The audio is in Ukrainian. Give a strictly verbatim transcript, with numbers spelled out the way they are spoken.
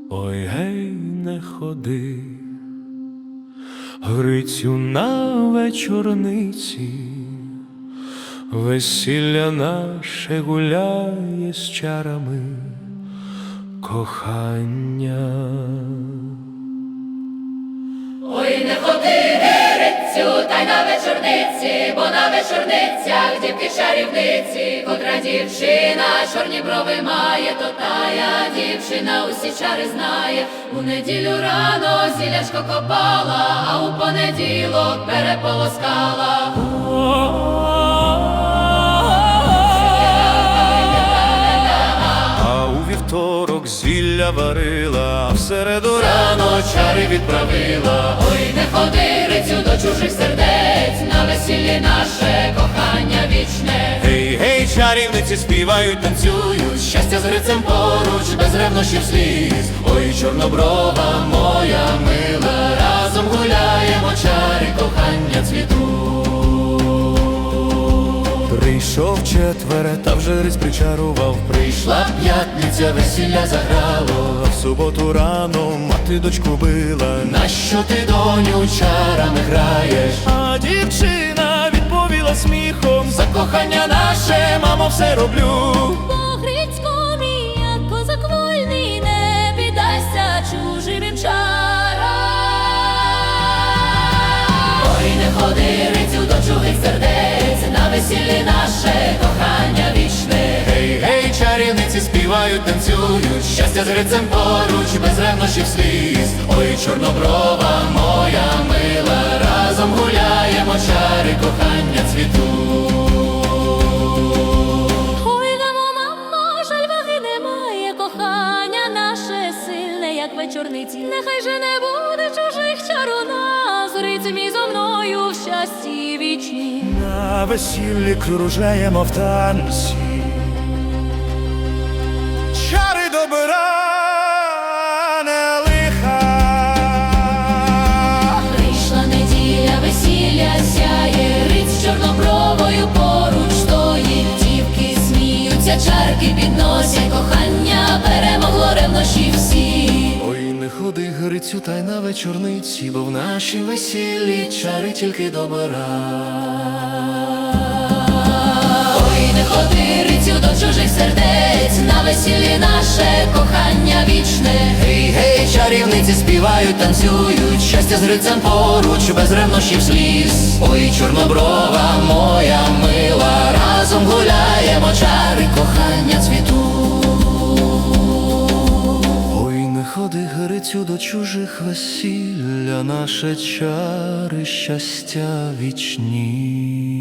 Ой, гей, не ходи, Грицю, на вечорниці, весілля наше гуляє з чарами кохання. Ой, не ходи, Грицю, та й на вечорниці, бо на вечорницях дівки чарівниці. Котра дівчина чорні брови має, то тая дівчина усі чари знає. У неділю рано зілячко копала, а у понеділок переполоскала. А у вівторок зілля варила, а в середу рано чари відправила. Ой, не ходи, Грицю, до чужих сердець, на весіллі наше кохання вічне. Гей, гей, чарівниці співають, танцюють, щастя з Грицем поруч, без ревнощів сліз. Ой, чорноброва моя мила, разом гуляємо, чари кохання цвітуть. Прийшов четвере, та вже Гриць причарував. Прийшла п'ятниця, весілля заграло, а в суботу рано мати дочку била. Нащо ти, доню, чарами граєш? А дівчина відповіла сміхом: за кохання наше, мамо, все роблю. Бо Грицько мій, як козак вольний, не піддасться чужим чарам. Ой, не ходи, Грицю, до чужих сердець, на весіллі наше кохання вічне. Гей, гей, чарівниці співають, танцюють, щастя з Грицем поруч, без ревнощів сліз. Ой, чорноброва моя мила, разом гуляємо, чари кохання цвітуть. Ой, дамо, мамо, жаль ваги немає, кохання наше сильне, як вечорниці. Нехай же не буде чужих чар у нас, Гриць мій зо мною в щасті вічні. На весіллі кружаємо в танці, чари добра, не лиха. Прийшла неділя, весілля сяє, Гриць чорнобровою поруч стоїть. Дівки сміються, чарки підносять, кохання перемогло ревнощі всі. Ой, не ходи, Грицю, та й на вечорниці, бо в нашій весіллі чари тільки добра. Ой, не ходи, Грицю, до чужих сердець, на весіллі наше кохання вічне. Гей, гей, чарівниці співають, танцюють, щастя з Грицем поруч, без ревнощів сліз. Ой, чорноброва моя мила, разом гуляємо, чари кохання цвітуть. Ой, не ходи, Грицю, до чужих весілля, наше чари щастя вічні.